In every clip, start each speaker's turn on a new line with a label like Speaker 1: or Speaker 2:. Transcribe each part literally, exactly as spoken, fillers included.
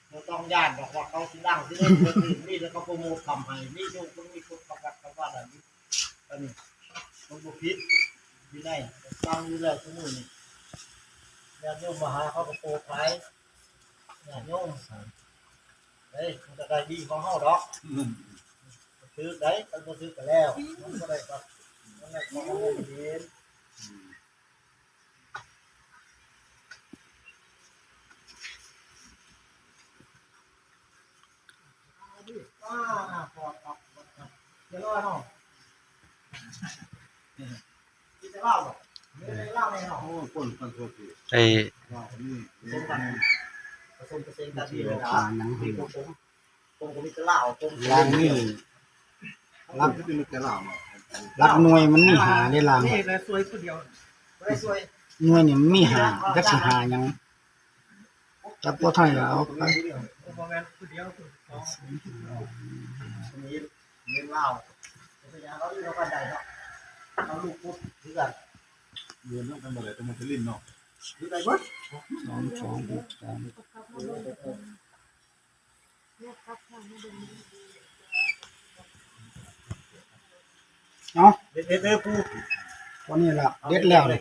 Speaker 1: เราต้องย่านบอกว่าเขาสิดังสิเล่นคนอื่นนี่แล้วก็โปรโมททำให้นี่ดูตรงนี้คนประกาศว่าแบบนี้อันนี้มันบุพิษอยู่ในตั้งอยู่แล้วทุกมือนี่ญาติโยมมาหาเขาก็โปรไฟล์ญาติโยมเฮ้ยมันจะได้ดีของเขาดอกซื้อได้ตั้งแต่ซื้อกันแล้วมันก็ได้ครับมันได้ของเขาเย็นอ่าพอครับเดี๋ยวรอหน่อยกินจะเล่าบ่ไม่ได้เล่าแน่นอน
Speaker 2: โอ้คนคนโทษที
Speaker 3: ไอ้
Speaker 2: ว่านี่
Speaker 1: ผสมกันผสมเปอร์เซ็นต์กันดีเลยนะมีผมผมผมก็มีจะเล่าผม
Speaker 4: ลางนี่
Speaker 2: รับที่เป็นแกเล่าเนาะ
Speaker 4: รักหน่วยมันมีหาได้ลาง
Speaker 1: นี่เลยสวยคนเดียวไม่ได้สวย
Speaker 4: หน่วยนี่มันมีหาจักสิหาหยังจับบ่ทันแล้วเอาไป
Speaker 1: ผมแมนคนเดียวนี้เล่นเล่าเป็นอย่างเราที่เรากันใหญ่เนาะเราลูกพุทธที่กัน
Speaker 2: เรียนต้องกันบ่ได้ต้องมาทลินเนาะ
Speaker 1: ที่ไหนบ้าง
Speaker 4: สองสองหกสามเนาะ
Speaker 1: เด็ดเด็ดเด็ดปู
Speaker 4: วันนี้ล่ะเด็ดแล้วเลย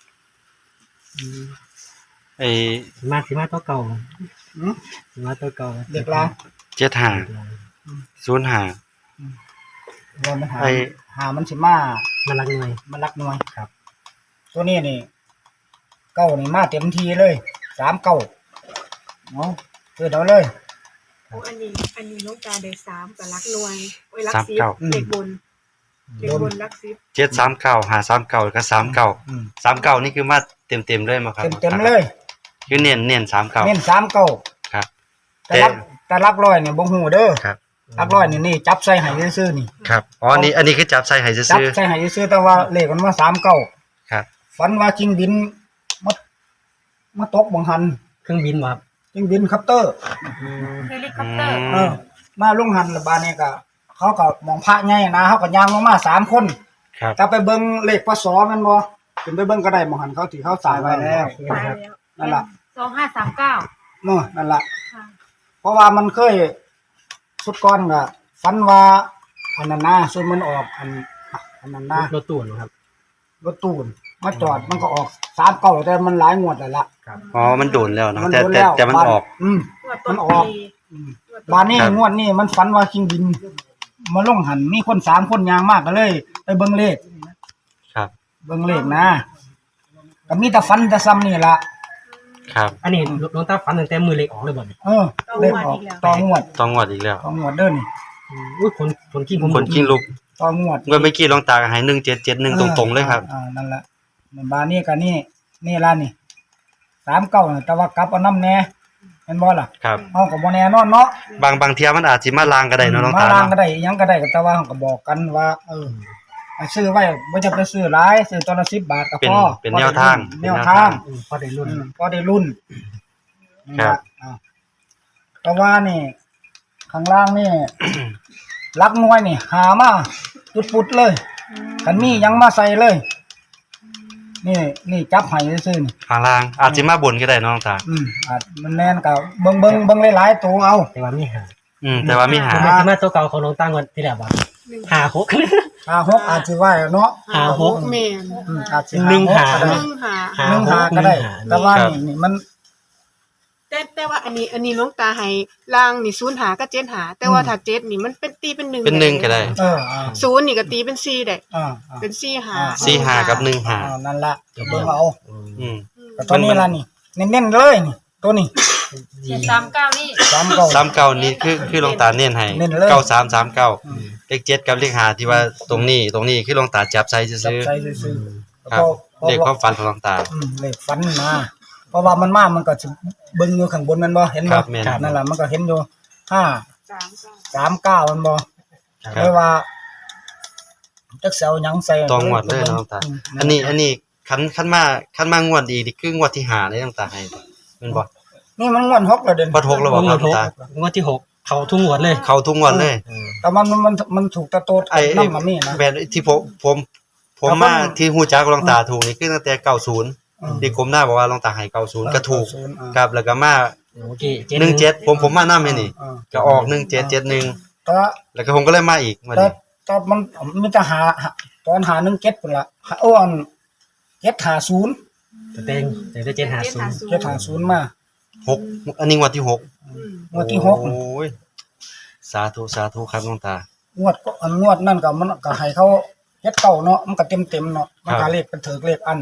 Speaker 3: ไอ้
Speaker 5: มาสิมาตัวเก่า
Speaker 4: หือ
Speaker 5: สิมาตัวเก่า
Speaker 4: เด็กลาง
Speaker 3: เจ็ดห้าศูนย์ห้า
Speaker 4: รอมันหา
Speaker 3: ไอ้
Speaker 4: หามันสิมา
Speaker 5: มาลักหน่วย
Speaker 4: มันรักหน่วยครับ ตัวนี้นี่เก้านี่มาเต็มทีเลยสามเก้าเนาะเกิดเอาเลย
Speaker 6: โอ้อันนี้อันนี้น้องตาได้สามกับรักหน่วยโอ้ยรัก
Speaker 3: สาม
Speaker 6: สิบ
Speaker 3: เก้า
Speaker 6: เด็กบนเด็กบนรักสิบ
Speaker 3: เจ็ดสามเก้าห้าสามเก้าก็สามเก้า
Speaker 4: อืม
Speaker 3: สามเก้านี่คือมาเต็มเต็มๆเลยมั้งครับ
Speaker 4: เต็มเต็มๆเลย
Speaker 3: คือเน้นเน้นสามเก้า
Speaker 4: เน้นสามเก้า
Speaker 3: ครับ
Speaker 4: แต่รักแต่รักร้อยเนี่ยบ่ฮู้เด้อ
Speaker 3: ครับ
Speaker 4: รักร้อยนี่นี่จับใส่ให้ซื่อๆนี่
Speaker 3: ครับอ๋ออันนี้อันนี้คือจับใส่ให้
Speaker 4: จับ
Speaker 3: ซื้อ
Speaker 4: ใส่ให้ซื้อแต่ว่าเลขมันมาสามเก้า
Speaker 3: ๆครับ
Speaker 4: ฝันว่าจิงบินมามาตกบังหัน
Speaker 5: เครื่องบินบ่ครับ
Speaker 4: จิงบินคัปเตอร์
Speaker 6: เฮลิคอปเตอร์
Speaker 4: เออมาลงหันแล้วบานนี้ก็เขาก็มองพระใหญ่นะเขาก็ย่างลงมาสามคน
Speaker 3: ครับ
Speaker 4: ถ้าไปเบิ่งเลขพศแม่นบ่ขึ้นไปเบิ่งก็ได้มองหันเขาที่เขาสายไว้แล้ว
Speaker 6: ตายแล้ว
Speaker 4: นั่นล่ะ
Speaker 6: สองห้าสามเก้า
Speaker 4: เนาะนั่นล่ะ
Speaker 6: ค่ะ
Speaker 4: เพราะว่ามันเคยสุดก่อนก็ฝันว่าอันนั้นนะส่วนมันออกอันอันนั้นนะ
Speaker 5: รถตู้นะครับ
Speaker 4: รถตูนมาจอดมันก็ออกสามเก้าแต่มันหลายงวดแล้วล่ะ
Speaker 3: อ๋อมันโดนแล้วเนอะ
Speaker 4: มัน
Speaker 3: แต่
Speaker 4: โดน
Speaker 3: แต่
Speaker 4: แล้ว
Speaker 3: แต่มันออก
Speaker 4: อืม
Speaker 6: งวดต้น
Speaker 4: มันออก
Speaker 6: ปี
Speaker 4: อืม
Speaker 6: งวดต้น
Speaker 4: บานนี้
Speaker 3: ครับ
Speaker 4: งวดนี้มันฝันว่าคิงบิน มาลงหันมีคนสามคนยางมากก็เลย ไปเบิ่งเลข
Speaker 3: ครับ
Speaker 4: เบิ่งเลขนะก็มีแต่ฝันแต่ซ้ำนี่ล่ะ
Speaker 3: ครับ
Speaker 5: อันนี้น้องตาฝันตั้งแต่มือเล็กออกเลยบ่เนี่ย
Speaker 4: เออเลขออกต่องวด
Speaker 3: ต้องงวดอีกแล้ว
Speaker 4: ต่องวดเด้อนี่
Speaker 5: อืมอุ้ยคนคนขี้ผม
Speaker 3: คนกิ้งลุก
Speaker 4: ต่องวด
Speaker 3: เมื่อเมื่อกี้ลองตาให้หนึ่งเจ็ดเจ็ดหนึ่งตรงๆเลยครับ
Speaker 4: อ่านั่นล่ะบานนี้ก็นี่นี่ล่ะนี่สามเก้าน่ะแต่ว่ากลับเอาน้ำแน่เห็นบ่ล่ะ
Speaker 3: ครับ
Speaker 4: เฮาก็บ่แน่นอนเนาะ
Speaker 3: บางบางเที่ยมันอาจสิมาลางก็ได้เนาะน้อง
Speaker 4: มา
Speaker 3: ตา
Speaker 4: ล้างก็
Speaker 3: เนาะ
Speaker 4: ได้อิหยังก็ได้ก็แต่ว่าเฮาก็บอกกันว่า เออให้ซื้อไว้บ่จะไปซื้อหลายซื้อตัวละสิบบาทก็
Speaker 3: เป็น
Speaker 4: พอ
Speaker 3: เป็นแนวทาง
Speaker 4: แนวทาง
Speaker 5: อืมพอได้รุ่น
Speaker 4: อืมก็ได้รุ่น
Speaker 3: ครับ
Speaker 4: อ่าแต่ว่านี่ ข้างล่างนี่ ลักหน่วยนี่ หามาปุดๆเลยคันมีหยังมาใส่เลย นี่นี่จับให้ซื่อๆนี่
Speaker 3: ข้างล่างอาจสิมาบนก็ได้เนาะน้องตา
Speaker 4: อืมอาจมันแน่นก็เบิ่งเบิ่งเบิ่งหลายๆตัวเอา
Speaker 5: แต่ว่ามีหา
Speaker 3: อืมแต่ว่ามีหา
Speaker 5: คือมันสิมาตัวเก่าของน้องตางวดที่แล้วบ่หาหก
Speaker 4: ห้าหกอาจสิว่าเนาะ
Speaker 5: หาหก
Speaker 6: แม่น
Speaker 4: อืมอาจสิ
Speaker 5: หนึ่งหา
Speaker 4: ก็
Speaker 6: ห
Speaker 4: ได้
Speaker 6: นึ่งหา
Speaker 5: หา
Speaker 4: หนึ่งหา
Speaker 5: หก
Speaker 4: ก็ได้
Speaker 5: หนึ่งหา
Speaker 4: แต่ว่า
Speaker 3: ครับ
Speaker 4: นี่นี่มัน
Speaker 6: แต่แต่ว่าอันนี้อันนี้น้องตาให้ล่างนี่ศูนย์หากับเจ็ดหาแต่ว่าถ้าเจ็ดนี่มันเป็นตีเป็นหนึ่ง
Speaker 3: เป็นหนึ่งก็ได้
Speaker 4: เอออ่า
Speaker 6: ศูนย์นี่ก็ตีเป็นสี่ได้
Speaker 4: อ่าอ่า
Speaker 6: เป็นสี่หา
Speaker 3: สี่หากับหนึ่งหา
Speaker 4: อ่านั่นล่ะเดี๋ยวเบิ่งเอา
Speaker 3: อืม
Speaker 4: แต่ตัวนี้ล่ะนี่เน้นๆเลยนี่ตัวนี้
Speaker 6: เจ็ดสามเก้านี่
Speaker 4: สามเก้า
Speaker 3: สามเก้านี่คือคือลงตาเน้นให้
Speaker 4: เน้นเลย
Speaker 3: เก้าสามสามเก้า
Speaker 4: อืม
Speaker 3: เลขเจ็ดกับเลขห้าที่ว่าตรงนี้ตรงนี้คือลงตาจับใส่
Speaker 4: จับ
Speaker 3: ซื้อ
Speaker 4: ใจซื่อๆ
Speaker 3: ๆครับ
Speaker 4: พอ
Speaker 3: เลขความฝันของลงตา
Speaker 4: อืมเลขฟันมาเพราะว่ามันมามันก็สิเบิ่งอยู่ข้างบนนั่นบ่เห็น
Speaker 3: ค
Speaker 4: บ่
Speaker 3: รับแม่น
Speaker 4: นั่นล่ะมันก็เห็นอยู่ห้า
Speaker 6: สามเก้า
Speaker 4: สามเก้ามันบ่
Speaker 3: ค
Speaker 4: ไม่
Speaker 3: รับ
Speaker 4: ว่าจักสิเอาหยังใส่
Speaker 3: ต้องงวดเลยเนาะตา
Speaker 4: ม
Speaker 3: อันนี้อันนี้คันคันมาคันมางวดอีกนี่คืองวดที่ห้าเลยลงตาให้แม่นบ่
Speaker 4: นี่มันงวดหกแล้วเด่น
Speaker 3: พอทกแล้วบ่
Speaker 5: ง
Speaker 3: คว รับ
Speaker 5: ดหก
Speaker 3: ตา
Speaker 5: งวดที่หกเขาทุ่งงวดเลย
Speaker 3: เข้าทุกงวดเลย
Speaker 4: แต่มันมันมันถูกตะโตด
Speaker 3: ไอ้
Speaker 4: นำมานี่นะ
Speaker 3: แม่นที่ผมผมผม
Speaker 4: ครับ
Speaker 3: มา
Speaker 4: ผม
Speaker 3: ที่ฮู้จักลงตาถูกนี่คือตั้งแต่เก้าสิบ
Speaker 4: อืม
Speaker 3: ที่กรมหน้าบอกว่าลงตาให้เก้าสิบก็ถูก
Speaker 4: ศูนย์อ่า
Speaker 3: ครับแล้วก็มา
Speaker 5: โอเค
Speaker 3: หนึ่งเจ็ดผมผมมานำให้นี่
Speaker 4: เออ
Speaker 3: ก็ออกหนึ่งเจ็ดเจ็ดหนึ่ง
Speaker 4: แต่
Speaker 3: แล้วก็ผมก็เลยมาอีกวัน
Speaker 4: แต่
Speaker 3: นี้
Speaker 4: แต่มันมีแต่หาหาตอนหาหนึ่งเจ็ดพุ่นละหาอ้อนเจ็ดหาศูนย์
Speaker 5: แต่เต็งแต่ได้เจ็ดหาศูนย์
Speaker 4: เจ็ดหาศูนย์มา
Speaker 3: หกอันนี้งวดที่หก
Speaker 6: อืม
Speaker 4: งวดที่หก
Speaker 3: โอ้ยสาธุสาธุครับหลวงตาง
Speaker 4: วดก็อันงวดนั่นก็มันก็ให้เขาเฮ็ดเก่าเนาะมันก็เต็มเต็มๆเนาะมัน
Speaker 3: ครั
Speaker 4: ก็
Speaker 3: บ
Speaker 4: เลขเป็นเถิกเลขอัน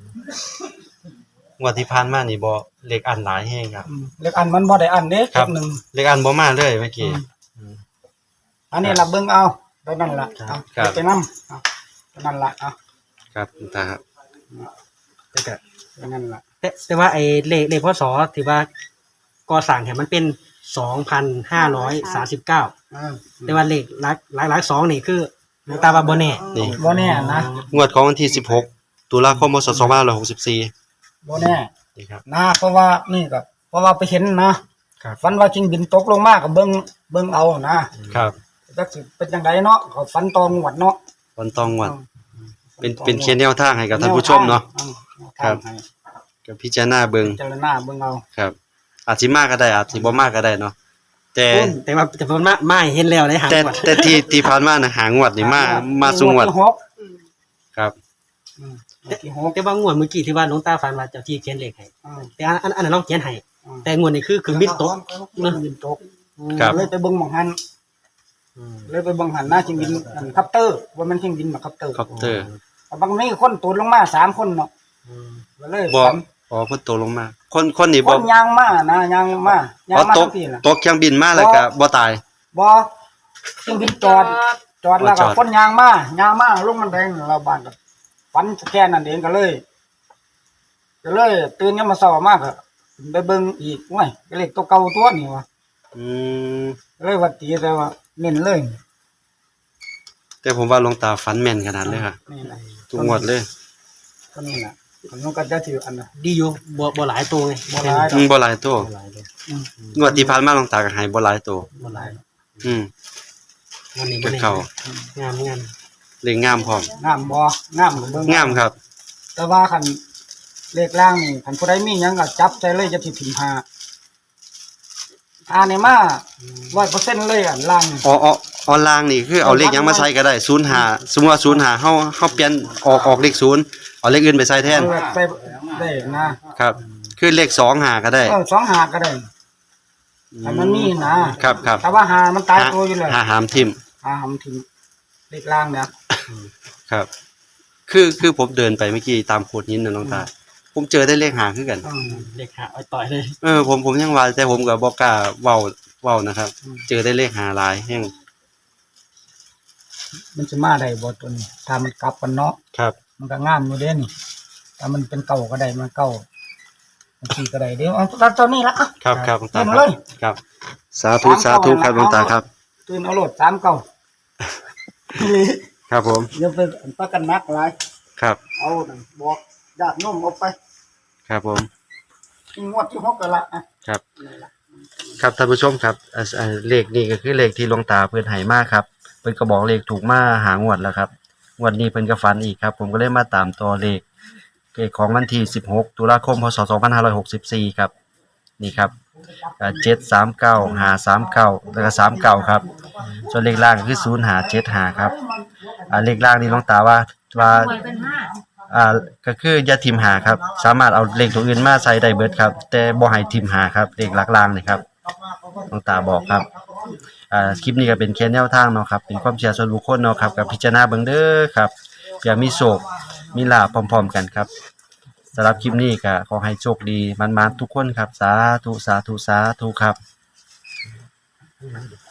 Speaker 3: งวดที่ผ่านมานี่บ่เลขอันหลายแฮงครับ
Speaker 4: อืมเลขอันมันบ่ได้อันเด้
Speaker 3: ครับ
Speaker 4: เลขหนึ่ง
Speaker 3: เลขอันบ่มาเลยเมื่อกี้
Speaker 4: อันนี้ล่ะเบิ่งเอาได้นั่นล่ะ
Speaker 3: ครั
Speaker 4: เอา
Speaker 3: บครับ
Speaker 4: ไปนำเอาไปนั่นล่ะเอา
Speaker 3: ครับหลวงตาครับ
Speaker 5: แต่ก็
Speaker 4: ไปนั่นล่ะ
Speaker 5: แต่แต่ว่าไอ้เลขเลขพศถือว่าก่อสร้างเนี่ยมันเป็นสองพันห้าร้อยสามสิบเก้า
Speaker 4: อ่า
Speaker 5: แต่ว่าเลขหลักหลักหลักสองนี่คือหลวงตาว่าบ่แน่
Speaker 3: นี่
Speaker 4: บ่แน่นะ
Speaker 3: งวดของวันที่สิบหกตุลาคมพศสองพันห้าร้อยหกสิบสี่
Speaker 4: บ่แน่
Speaker 3: นี่ครับ
Speaker 4: นะเพราะว่านี่ก็เพราะว่าไปเห็นนะครับ ฝันว่าจิงบินตกลงมาก็เบิ่งเบิ่งเอานะครับ จักสิเป็นจังไดเนาะเขาฝันตองหวดเนาะ
Speaker 3: วันตองงวดเป็นเป็นเคียนแนวทางให้กับท่านผู้ชมเนาะ
Speaker 4: อืม
Speaker 3: ครับ
Speaker 4: ให้
Speaker 3: กับพิจารณาเบิ่ง
Speaker 4: พิจารณาเบิ่งเอา
Speaker 3: ครับ อาจสิมากก็ได้อาจสิบ่มากก็ได้เนาะแต่
Speaker 5: แต่ว่าแต่ว่ามามาเห็นแล้วในหาง
Speaker 3: แต่
Speaker 5: วัด
Speaker 3: แต่ที่ที่ผ่านมานะหางวดนี่มามาสูงวด
Speaker 4: ที่หก
Speaker 6: อืม
Speaker 3: ครับ
Speaker 4: อืมงวดที่หก
Speaker 5: แต่ว่างวดเมื่อกี้ที่ว่าหลวงตาฝันว่าเจ้าที่เขียนเลขให้
Speaker 4: อืม
Speaker 5: แต่อันอันอันนั้นเราเขียนให้
Speaker 4: อืม
Speaker 5: แต่งวดนี้คือเครื่องบินตก
Speaker 4: เครื่องบินตก
Speaker 3: ครับ
Speaker 4: เลยไปเบิ่งหม่องหันเลยไปเบิ่งหันหน้าจิงบินอันคัปเตอร์ว่ามันจิงบินมาคัปเตอร์
Speaker 3: คอปเตอร์
Speaker 4: บางนี้คนตูดลงมาสามคนเนาะก็เลย
Speaker 3: บ่
Speaker 4: ฝัน
Speaker 3: อ๋อเพิ่นตกลงมา คนคนนี่
Speaker 4: ค
Speaker 3: บ่
Speaker 4: นยางมานะยางมายาง
Speaker 3: อ๋อ
Speaker 4: มา
Speaker 3: ต
Speaker 4: ทั้
Speaker 3: ก
Speaker 4: งทีน่ะ
Speaker 3: ตกเครื่องบินมาแล้วก็บ่ตาย
Speaker 4: บ่จิงบินจอด จอดแล้ว
Speaker 3: จ
Speaker 4: ก็
Speaker 3: อด
Speaker 4: คนยางมายางมาลงมันแดงเราบ้านก็ฝันแค่นั้นเองก็เลย ก็เลยตื่นยามมาเช้ามากก็ไปเบิ่งอีกโอ้ยก็เลขตัวเก่าตัวนี่ว่ะ
Speaker 3: อืม
Speaker 4: ก็เลยว่าตีแต่ว่าเน้นเลย
Speaker 3: แต่ผมว่าหลวงตาฝันแม่นขนาดเลยค่ะ
Speaker 4: นี่แหละ
Speaker 3: ทุกงวดเลย
Speaker 4: ก็นี่แหละมันก็จะถืออันน่ะ
Speaker 5: ดีอยู่บ่บ่หลายตัวไง
Speaker 4: บ่หลาย
Speaker 3: อืมบ่หลายตัว
Speaker 5: บ่หลายเลย
Speaker 4: อืม
Speaker 3: งวดที่ผ่านมาหลวงตาก็ให้บ่หลายตัว
Speaker 5: บ่หลาย
Speaker 3: อืม
Speaker 5: งานนี้
Speaker 3: ก็
Speaker 5: บ่แน่
Speaker 3: เข้า
Speaker 5: งามงาม
Speaker 3: เลขงามพร้อม
Speaker 4: งามบ่งามก็เบิ่ง
Speaker 3: งามครับ
Speaker 4: แต่ว่าคันเลขล่างนี่คันผู้ใดมีหยังก็จับใจเลยจะสิถิ่มหาอ่านี่มา ร้อยเปอร์เซ็นต์เลยอ่ะล่างนี่
Speaker 3: อ๋ออ๋อออนไลน์นี่คือเอาเลขหยังมาใส่ก็ได้ศูนย์ห้าสมมุติว่าศูนย์ห้าเฮาเฮาเปลี่ยนออกออกเลขศูนย์เอาเลขอื่นไปใส่แทน
Speaker 4: เออไปได้นะครับ
Speaker 3: คือเลขสองห้าก็ได้
Speaker 4: เออสองหาก็ได้แต่มันมีนะครับ
Speaker 3: ครับ
Speaker 4: แต่ว่าหามันตายตัวอยู่เลย
Speaker 3: หาหามทิม
Speaker 4: หาหำถึงเลขล่างเนี่ย
Speaker 3: ครับ คือคือผมเดินไปเมื่อกี้ตามโขดหินน่ะน้องตา ผมเจอได้เลขหาคือกัน
Speaker 4: อืม
Speaker 5: เลขหาเอาต่อยเลย
Speaker 3: เออผมผมยังว่าแต่ผมก็บ่กล้าเว้าเว้านะครับ
Speaker 4: อืม
Speaker 3: เจอได้เลขหาหลายแฮง
Speaker 4: มันจะมาได้บ่ตัวนี้ถ้ามันกลับกันเนาะ
Speaker 3: ครับ
Speaker 4: มันก็งามอยู่เด้นี่ถ้ามันเป็นเก่าก็ได้มันเก่าบางทีก็ได้เดี๋ยวเอาเอาตัวนี้ละอ่ะ
Speaker 3: ครับครับหลวงตา
Speaker 4: เต็ม
Speaker 3: ค
Speaker 4: เล
Speaker 3: รับ
Speaker 4: ย
Speaker 3: ครับ สาธุสาธุครับหลวงตาครับ
Speaker 4: ตื่นเอาโหลดสามเก่า
Speaker 3: ครับผม
Speaker 4: เดี๋ยวไปประกันนักหลาย
Speaker 3: ครับ
Speaker 4: เอานั่นบอกญาติโน้มเอาไป
Speaker 3: ครับผม
Speaker 4: งวดที่หกกันละอ่ะ
Speaker 3: ครับ ครับท่านผู้ชมครับอ่าอ่าเลขนี้ก็คือเลขที่หลวงตาเพิ่นให้มาครับเพิ่นก็บอกเลขถูกมาหางวดแล้วครับงวดนี้เพิ่นก็ฝันอีกครับ ผมก็เลยมาตามตัวเลขเลขของวันที่สิบหกตุลาคมพศสองพันห้าร้อยหกสิบสี่ครับนี่ครับอ่าเจ็ดสามเก้าห้าสามเก้าแล้วก็สามเก้าครับส่วนเลขล่างก็คือศูนย์ห้าเจ็ดห้าครับอ่าเลขล่างนี่หลวงตาว่าว่าอ่าก็คืออย่าทิมหาครับสามารถเอาเลขตัวอื่นมาใส่ได้เบิดครับแต่บ่ให้ทิมหาครับเลขหลักล่างนี่ครับหลวงตาบอกครับอ่าคลิปนี้ก็เป็นแค่แนวทางเนาะครับเป็นความเชื่อส่วนบุคคลเนาะครับกับพิจารณาเบิ่งเด้อครับเพื่อมีโชคมีลาภพร้อมๆกันครับสำหรับคลิปนี้ก็ขอให้โชคดีมันๆทุกคนครับสาธุสาธุสาธุครับ